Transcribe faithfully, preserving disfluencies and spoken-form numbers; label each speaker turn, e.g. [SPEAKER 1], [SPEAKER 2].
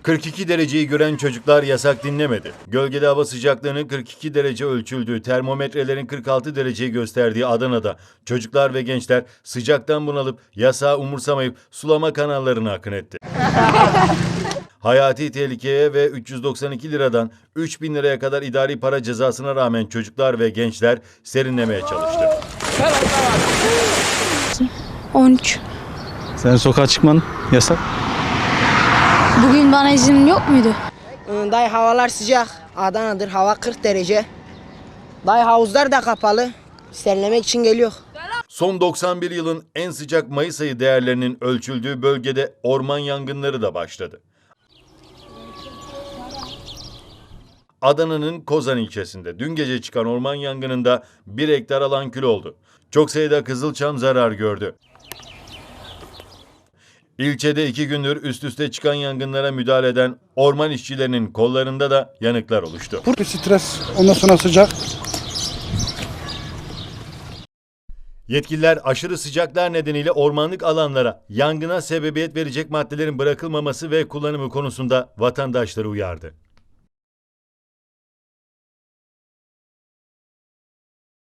[SPEAKER 1] kırk iki dereceyi gören çocuklar yasak dinlemedi. Gölgede hava sıcaklığının kırk iki derece ölçüldüğü, termometrelerin kırk altı dereceyi gösterdiği Adana'da çocuklar ve gençler sıcaktan bunalıp yasağı umursamayıp sulama kanallarına akın etti. Hayati tehlikeye ve üç yüz doksan iki liradan üç bin liraya kadar idari para cezasına rağmen çocuklar ve gençler serinlemeye çalıştı.
[SPEAKER 2] on üç.
[SPEAKER 3] Sen sokağa çıkman yasak.
[SPEAKER 2] Bugün bana izin yok muydu?
[SPEAKER 4] Dayı havalar sıcak. Adana'dır, hava kırk derece. Dayı havuzlar da kapalı. Serinlemek için geliyor.
[SPEAKER 1] Son doksan bir yılın en sıcak Mayıs ayı değerlerinin ölçüldüğü bölgede orman yangınları da başladı. Adana'nın Kozan ilçesinde dün gece çıkan orman yangınında bir hektar alan kül oldu. Çok sayıda kızılçam zarar gördü. İlçede iki gündür üst üste çıkan yangınlara müdahale eden orman işçilerinin kollarında da yanıklar oluştu.
[SPEAKER 5] Bir stres, ondan sonra sıcak.
[SPEAKER 1] Yetkililer aşırı sıcaklar nedeniyle ormanlık alanlara yangına sebebiyet verecek maddelerin bırakılmaması ve kullanımı konusunda vatandaşları uyardı.